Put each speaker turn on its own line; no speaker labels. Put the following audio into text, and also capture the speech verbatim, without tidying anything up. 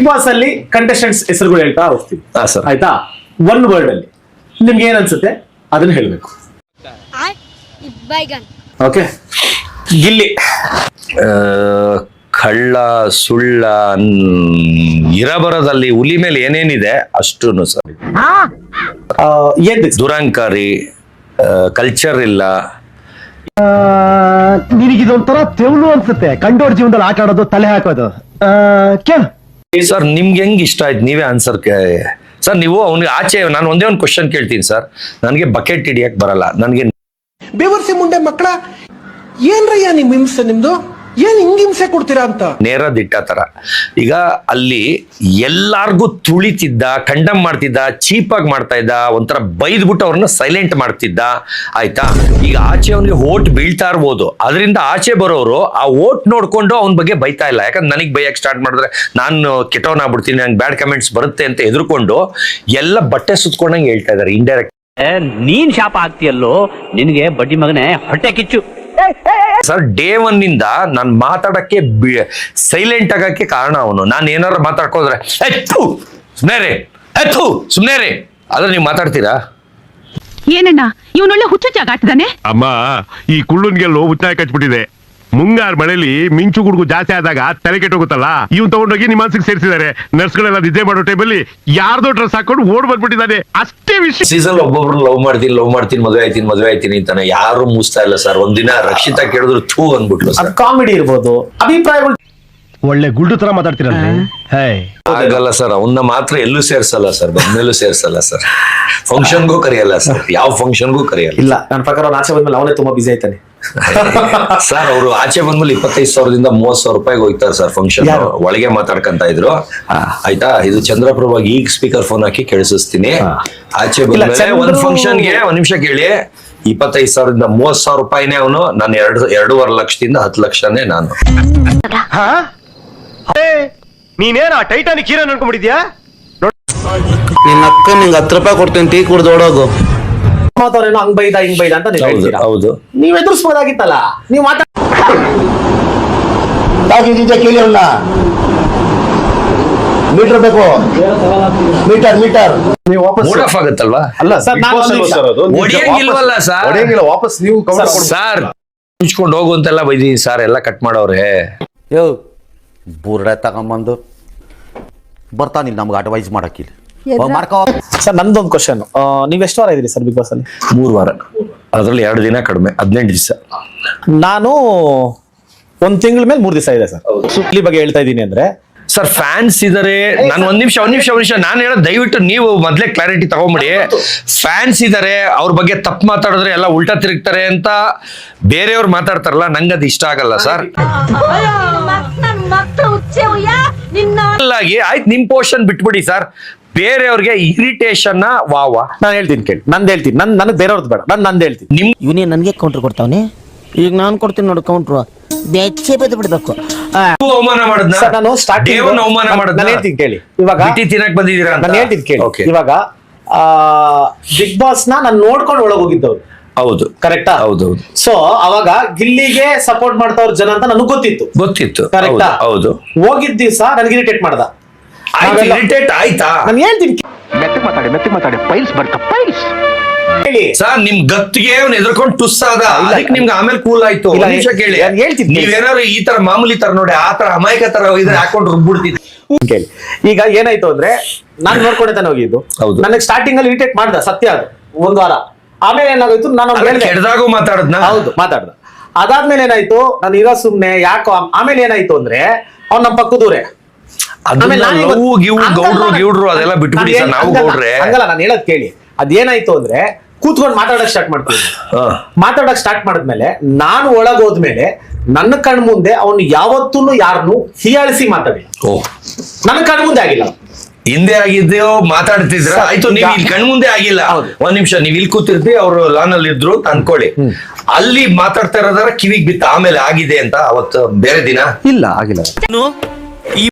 Boss ಅಲ್ಲಿ contestants ಹೆಸರುಗಳು ಹೇಳ್ತಾ ಹೋಗ್ತೀವಿ.
ಹಾ ಸರ್.
ಆಯ್ತಾ? ಒನ್ ವರ್ಡ್ ಅಲ್ಲಿ ನಿಮ್ಗೆ ಏನ್ ಅನ್ಸುತ್ತೆ ಅದನ್ನ ಹೇಳ್ಬೇಕು. ಓಕೆ. ಗಿಲ್ಲಿ.
ಕಳ್ಳ, ಸುಳ್ಳ, ಇರಬರದಲ್ಲಿ ಹುಲಿ ಮೇಲೆ ಏನೇನಿದೆ ಅಷ್ಟೂನು ಸರ್.
ಏನ್
ದುರಂಕಾರಿ, ಕಲ್ಚರ್ ಇಲ್ಲ.
ನಿನಗಿದೊಂಥರ ತೆವಲು ಅನ್ಸುತ್ತೆ, ಕಂಡೋರ್ ಜೀವನದಲ್ಲಿ ಆಟ ಆಡೋದು, ತಲೆ ಹಾಕೋದು. ಕೇಳು
ಸರ್, ನಿಮ್ಗೆ ಹೆಂಗ್ ಇಷ್ಟ ಆಯ್ತು ನೀವೇ ಆನ್ಸರ್. ಸರ್ ನೀವು ಅವ್ನಿಗೆ ಆಚೆ, ನಾನು ಒಂದೇ ಒಂದು ಕ್ವಶನ್ ಕೇಳ್ತೀನಿ ಸರ್. ನನಗೆ ಬಕೆಟ್ ಹಿಡಿಯಕ್ ಬರಲ್ಲ. ನನಗೆ
ಬೇವರ್ಸಿ ಮುಂಡೆ ಮಕ್ಕಳ ಏನ್ರಯ್ಯ ನಿಮ್ ಹಿಂಸೆ, ನಿಮ್ದು ಏನ್ ಹಿಂಗ್ ಹಿಂಸೆ ಕೊಡ್ತೀರಾ ಅಂತ.
ನೇರ ದಿಟ್ಟ ತರ. ಈಗ ಅಲ್ಲಿ ಎಲ್ಲಾರ್ಗು ತುಳಿತಿದ್ದ, ಕಂಡಮ್ ಮಾಡ್ತಿದ್ದ, ಚೀಪಾಗಿ ಮಾಡ್ತಾ ಇದ್ದ, ಒಂಥರ ಬೈದ್ಬಿಟ್ಟು ಅವ್ರನ್ನ ಸೈಲೆಂಟ್ ಮಾಡ್ತಿದ್ದ. ಆಯ್ತಾ? ಈಗ ಆಚೆ ಅವನಿಗೆ ಓಟ್ ಬೀಳ್ತಾ ಇರ್ಬೋದು, ಅದರಿಂದ ಆಚೆ ಬರೋರು ಆ ಓಟ್ ನೋಡ್ಕೊಂಡು ಅವನ ಬಗ್ಗೆ ಬೈತಾ ಇಲ್ಲ. ಯಾಕಂದ್ರೆ ನನಗ್ ಬೈಯಕ್ ಸ್ಟಾರ್ಟ್ ಮಾಡಿದ್ರೆ ನಾನು ಕೆಟ್ಟವನ್ ಆಗ್ಬಿಡ್ತೀನಿ, ನಂಗೆ ಬ್ಯಾಡ್ ಕಮೆಂಟ್ಸ್ ಬರುತ್ತೆ ಅಂತ ಎದುರ್ಕೊಂಡು ಎಲ್ಲ ಬಟ್ಟೆ ಸುತ್ಕೊಂಡಂಗೆ ಹೇಳ್ತಾ ಇದಾರೆ ಇಂಡೈರೆಕ್ಟ್.
ನೀನ್ ಶಾಪ ಆಗ್ತೀಯಲ್ಲೋ, ನಿನ್ಗೆ ಬಡ್ಡಿ ಮಗನೇ ಹೊಟ್ಟೆ ಕಿಚ್ಚು.
ಸರ್, ಡೇ ಒನ್ ಇಂದ ನಾನು ಮಾತಾಡಕ್ಕೆ ಸೈಲೆಂಟ್ ಆಗಕ್ಕೆ ಕಾರಣ ಅವನು. ನಾನು ಏನಾರು ಮಾತಾಡ್ಕೋದ್ರೆ ಸುಮ್ನೆ ರೇ ಎತ್ತು ಸುಮ್ನೆ ರೇ ಆದ್ರೆ ನೀವು ಮಾತಾಡ್ತೀರಾ?
ಏನಣ್ಣ ಇವನೊಳ್ಳೆ ಹುಚ್ಚುಚ್ಚಾಗ ಆಡ್ತಿದ್ದಾನೆ.
ಅಮ್ಮ, ಈ ಕುಳ್ಳುನ್ಗೆಲ್ಲೋ ಉಚ್ಚಾಯ ಕಚ್ಬಿಟ್ಟಿದೆ. ಮುಂಗಾರು ಮಳೆಯಲ್ಲಿ ಮಿಂಚು ಗುಡುಗು ಜಾಸ್ತಿ ಆದಾಗ ತಲೆ ಕೆಟ್ಟೋಗುತ್ತಲ್ಲ, ಇವ್ನು ತಗೊಂಡೋಗಿ ನಿಮ್ಮ ಮನಸ್ಸಿಗೆ ಸೇರಿಸಿದ್ದಾರೆ. ನರ್ಸ್ಗಳೆಲ್ಲ ನಿದ್ದೆ ಮಾಡೋ ಟೈಮಲ್ಲಿ ಯಾರ್ದೋ ಡ್ರೆಸ್ ಹಾಕೊಂಡು ಓಡ್ ಬಂದ್ಬಿಟ್ಟಿದ್ದಾನೆ. ಅಷ್ಟೇ ವಿಷಯ.
ಸೀಸನ್ ಒಬ್ಬೊಬ್ರು ಲವ್ ಮಾಡ್ತೀನಿ ಲವ್ ಮಾಡ್ತೀನಿ ಮದುವೆ ಆಯ್ತೀನಿ ಮದುವೆ ಆಯ್ತೀನಿ ಅಂತಾನೆ ಯಾರು ಮುಗಿಸ್ತಾ ಇಲ್ಲ ಸರ್. ಒಂದಿನ ರಕ್ಷಿತಾ ಕೇಳಿದ್ರು ಥೂ ಅಂದ್ಬಿಟ್ಲು ಸರ್.
ಕಾಮಿಡಿ ಇರ್ಬೋದು, ಅಭಿಪ್ರಾಯಗಳು.
ಒಳ್ಳೆ ಗುಲ್ಡು ತರ ಮಾತಾಡ್ತೀರಲ್ರಿ.
ಆಗಲ್ಲ ಸರ್, ಅವನ್ನ ಮಾತ್ರ ಎಲ್ಲೂ ಸೇರ್ಸಲ್ಲ ಸರ್, ಬಂದ್ಮೇಲೂ ಸೇರ್ಸಲ್ಲ ಸರ್. ಫಂಕ್ಷನ್ಗೂ ಕರೆಯಲ್ಲ ಸರ್, ಯಾವ ಫಂಕ್ಷನ್ಗೂ ಕರೆಯಲ್ಲ.
ಇಲ್ಲ, ನನ್ನ ಪ್ರಕಾರ ಅವ್ನು ಆಚೆ ಬಂದ್ಮೇಲೆ ಅವನೇ ತುಂಬಾ ಬಿಸಿ ಆಯ್ತಾನೆ
ಸರ್. ಅವರು ಆಚೆ ಬಂದ್ಮೇಲೆ ಇಪ್ಪತ್ತೈದು ಸಾವಿರದಿಂದ ಮೂವತ್ ಸಾವಿರ ರೂಪಾಯಿಗೆ ಹೋಗ್ತಾರೆ ಸರ್ ಫಂಕ್ಷನ್. ಒಳಗೆ ಮಾತಾಡ್ಕಂತ ಇದ್ರು. ಆಯ್ತಾ? ಇದು ಚಂದ್ರಪ್ರಭಾಗಿ ಈಗ ಸ್ಪೀಕರ್ ಫೋನ್ ಹಾಕಿ ಕೇಳಿಸ್ತೀನಿ. ಆಚೆ ಬಂದ್ಮೇಲೆ ಒಂದ್ ಫಂಕ್ಷನ್ಗೆ ಒಂದ್ ನಿಮಿಷ ಕೇಳಿ, ಇಪ್ಪತ್ತೈದು ಸಾವಿರದಿಂದ ಮೂವತ್ ಸಾವಿರ ರೂಪಾಯಿನೇ ಅವನು. ನಾನು ಎರಡು ಎರಡೂವರೆ ಲಕ್ಷದಿಂದ ಹತ್ತು ಲಕ್ಷನೇ ನಾನು.
ನೀನೇನ ಟೈಟಾನಿಕ್ ಹೀರೋ ಅನ್ಕೊಂಡ್ಬಿಟ್ಟಿದ್ಯಾ?
ನಿನ್ನ ಅಕ್ಕ ನಿಂಗೆ ಹತ್ತು ರೂಪಾಯಿ ಕೊಡ್ತೀನಿ, ಟೀ ಕುಡ್ದು ಓಡೋಗು.
ಮಾತಾಡೋನು ಹಂಗ್ ಬೈದ ಹಿಂಗ್ ಬೈದ ಅಂತ ನೀವು ಹೇಳ್ತೀರಾ.
ಹೌದು,
ನೀವ್ ಎದುರಿಸ್ಬೋದಾಗಿತ್ತಲ್ಲ. ನೀವು ಮಾತಾಡ
ಕೇಳಿ ಅವನ್ನ. ಮೀಟರ್ ಬೇಕು, ಮೀಟರ್ ಮೀಟರ್
ನೀವು ವಾಪಸ್
ಮೂಡ್ ಆಫ್ ಆಗುತ್ತಲ್ವಾ?
ಅಲ್ಲ ಸರ್, ನಾನು
ಹೊಡಿಯಂಗಿಲ್ವಲ್ಲ ಸರ್.
ಹೊಡೆಯಂಗಿಲ್ಲ, ವಾಪಸ್ ನೀವು
ಸರ್ ಮುಚ್ಕೊಂಡು ಹೋಗು ಅಂತೆಲ್ಲ ಬೈದೀನಿ ಸರ್. ಎಲ್ಲ ಕಟ್ ಮಾಡವ್ರೆ.
ಯೋ ಬುರ್ಡೆ ತಗೊಂಬಂದು ಬರ್ತಾನಿಲ್ಲ ನಮ್ಗೆ ಅಡ್ವೈಸ್ ಮಾಡಕ್ಕಿಲ್ಲ.
ಸರ್, ನಂದೊಂದು ಕ್ವಶನ್. ನೀವ್ ಎಷ್ಟು ವಾರ ಇದ್ರಿ ಸರ್ ಬಿಗ್ ಬಾಸ್ ಅಲ್ಲಿ?
ಮೂರು ವಾರ. ಅದ್ರಲ್ಲಿ ಎರಡು ದಿನ ಕಡಿಮೆ, ಹದಿನೆಂಟು ದಿವಸ.
ನಾನು ಒಂದ್ ತಿಂಗಳ ಮೇಲೆ ಮೂರ್ ದಿವಸ ಇದೆ ಸರ್. ಸುಪ್ಲಿ ಬಗ್ಗೆ ಹೇಳ್ತಾ ಇದ್ದೀನಿ ಅಂದ್ರೆ
ಸರ್, ಫ್ಯಾನ್ಸ್ ಇದಾರೆ. ನಾನು ಒಂದ್ ನಿಮಿಷ ಒಂದ್ ನಿಮಿಷ ಒಂದ್ ನಿಮಿಷ ನಾನು ಹೇಳೋದು ದಯವಿಟ್ಟು ನೀವು ಮೊದ್ಲೇ ಕ್ಲಾರಿಟಿ ತಗೊಂಬಿಡಿ. ಫ್ಯಾನ್ಸ್ ಇದಾರೆ, ಅವ್ರ ಬಗ್ಗೆ ತಪ್ಪು ಮಾತಾಡಿದ್ರೆ ಎಲ್ಲ ಉಲ್ಟಾ ತಿರುಗ್ತಾರೆ ಅಂತ ಬೇರೆಯವ್ರು ಮಾತಾಡ್ತಾರಲ್ಲ, ನಂಗೆ ಅದು ಇಷ್ಟ ಆಗಲ್ಲ ಸರ್. ಆಗಿ ಆಯ್ತು, ನಿಮ್ ಪೋರ್ಷನ್ ಬಿಟ್ಬಿಡಿ ಸರ್. ಬೇರೆಯವ್ರಿಗೆ ಇರಿಟೇಷನ್ ವಾ ವಾ
ನಾನು ಹೇಳ್ತೀನಿ ಕೇಳಿ. ನಂದು ಹೇಳ್ತೀನಿ, ನನ್ ನನಗೆ ಬೇರೆಯವ್ರದ್ದು ಬೇಡ, ನಾನು ನಂದು ಹೇಳ್ತೀನಿ.
ನಿಮ್
ಇವನೇ ನನಗೆ ಕೌಂಟ್ರ್ ಕೊಡ್ತಾವನೆ. ಈಗ ನಾನು ಕೊಡ್ತೀನಿ ನೋಡಿ ಕೌಂಟ್ರು. ಬೆಚ್ಚೆ ಬೆದ್ದು ಬಿಡ್ಬೇಕು.
ಅವಮಾನ ಮಾಡಿದ್ನ
ಸರ್, ನಾನು ಸ್ಟಾರ್ಟಿಂಗ್
ಅವಮಾನ ಮಾಡಿದ್ನ
ನಾನು ಹೇಳ್ತೀನಿ ಕೇಳಿ. ಇವಾಗ
ಬಿಟ್ಟಿ ತಿನ್ನಕ್ ಬಂದಿದ್ದೀರಾ ಅಂತ
ನಾನು ಹೇಳ್ತೀನಿ ಕೇಳಿ.
Okay.
ಇವಾಗ ಬಿಗ್ ಬಾಸ್ ನ ನಾನು ನೋಡ್ಕೊಂಡು ಒಳಗೆ ಹೋಗಿದ್ದವ್ರು.
ಹೌದು,
ಕರೆಕ್ಟಾ?
ಹೌದೌದು.
ಸೊ ಅವಾಗ ಗಿಲ್ಲಿಗೆ ಸಪೋರ್ಟ್ ಮಾಡ್ತಾವ್ರ ಜನ ಅಂತ ನನಗೆ ಗೊತ್ತಿತ್ತು.
ಗೊತ್ತಿತ್ತು.
ಕರೆಕ್ಟಾ?
ಹೌದು.
ಹೋಗಿದ್ದ ದಿವಸ ನನಗೆ ಇರಿಟೇಟ್ ಮಾಡ್ದ.
ಇರಿಟೇಟ್ ಆಯ್ತಾ?
ನಾನು ಹೇಳ್ತೀನಿ
ಮೆತ್ತಗೆ ಮಾತಾಡಿ ಮೆತ್ತಗೆ ಮಾತಾಡಿ ಪೈಲ್ಸ್ ಬರ್ತಾ ಪೈಲ್ಸ್
ಹೇಳಿ
ಸರ್. ನಿಮ್ ಗತ್ತಿಗೆ ಅವ್ನು ಎದ್ರಕೊಂಡು ಟುಸ್ ಆದ, ಅದಕ್ಕೆ ನಿಮ್ಗೆ ಆಮೇಲೆ ಕೂಲ್ ಆಯ್ತು. ಒಂದ್ ನಿಮಿಷ ಕೇಳಿ,
ಹೇಳ್ತೀನಿ.
ನೀವೇನಾದ್ರು ಈ ತರ ಮಾಮೂಲಿ ತರ ನೋಡಿ ಆ ತರ ಅಮಾಯಕ ತರ ಇದ್ರೆ ಹಾಕೊಂಡು ರುಬ್ಬಿಡ್ತಿದ್ವಿ.
ಕೇಳಿ, ಈಗ ಏನಾಯ್ತು ಅಂದ್ರೆ ನಾನು ನೋಡ್ಕೊಂಡೆ ತಾನೆ ಹೋಗಿದ್ದು. ನನಗೆ ಸ್ಟಾರ್ಟಿಂಗ್ ಅಲ್ಲಿ ಇರಿಟೇಟ್ ಮಾಡ್ದ, ಸತ್ಯ ಅದು. ಒಂದ್ ವಾರ ಆಮೇಲೆ ಏನಾಗೋಯ್ತು, ನಾನು
ಕೆಡ್ದಾಗೂ ಮಾತಾಡದ್ನ.
ಹೌದು, ಮಾತಾಡ್ದ. ಅದಾದ್ಮೇಲೆ ಏನಾಯ್ತು, ನಾನು ಇರೋ ಸುಮ್ನೆ ಯಾಕೋ. ಆಮೇಲೆ ಏನಾಯ್ತು ಅಂದ್ರೆ ಅವ್ನು ನಮ್ಮ ಪಕ್ಕದೂರೇ.
ಗೌಡ್ರು ಗಿವ್ಡ್ರು ಅದೆಲ್ಲ ಬಿಟ್ಬಿಡಿ ಸರ್. ನಾವು ಗೌಡ್ರೆ
ಹಂಗಲ್ಲ, ನಾನು ಹೇಳೋದ್ ಕೇಳಿ. ಅದೇನಾಯ್ತು ಅಂದ್ರೆ ಕೂತ್ಕೊಂಡು ಮಾತಾಡಕ್ ಸ್ಟಾರ್ಟ್ ಮಾಡ್ತೀನಿ. ಮಾತಾಡಕ್ ಸ್ಟಾರ್ಟ್ ಮಾಡಿದ್ಮೇಲೆ ನಾನು ಒಳಗ್ ಹೋದ್ಮೇಲೆ ನನ್ನ ಕಣ್ ಮುಂದೆ ಅವನು ಯಾವತ್ತೂ ಯಾರನ್ನು ಹೀಯಾಳಿಸಿ ಮಾತಾಡಿ.
ಓ,
ನನ್ನ ಕಣ್ ಮುಂದೆ ಆಗಿಲ್ಲ.
ಹಿಂದೆ ಆಗಿದ್ದೇವೋ ಮಾತಾಡ್ತಿದ್ರ. ಆಯ್ತು, ನೀವು ಇಲ್ಲಿ ಕಣ್ ಮುಂದೆ ಆಗಿಲ್ಲ. ಒಂದ್ ನಿಮಿಷ, ನೀವ್ ಇಲ್ಲಿ ಕೂತಿರ್ತಿ, ಅವ್ರು ಲಾನ್ ಅಲ್ಲಿ ಇದ್ರು ಅಂತ ಅನ್ಕೊಳ್ಳಿ. ಅಲ್ಲಿ ಮಾತಾಡ್ತಾ ಇರೋದಾರ ಕಿವಿಗ್ ಬಿತ್ತ, ಆಮೇಲೆ ಆಗಿದೆ ಅಂತ ಅವತ್ತು ಬೇರೆ ದಿನ
ಇಲ್ಲ ಆಗಿಲ್ಲ.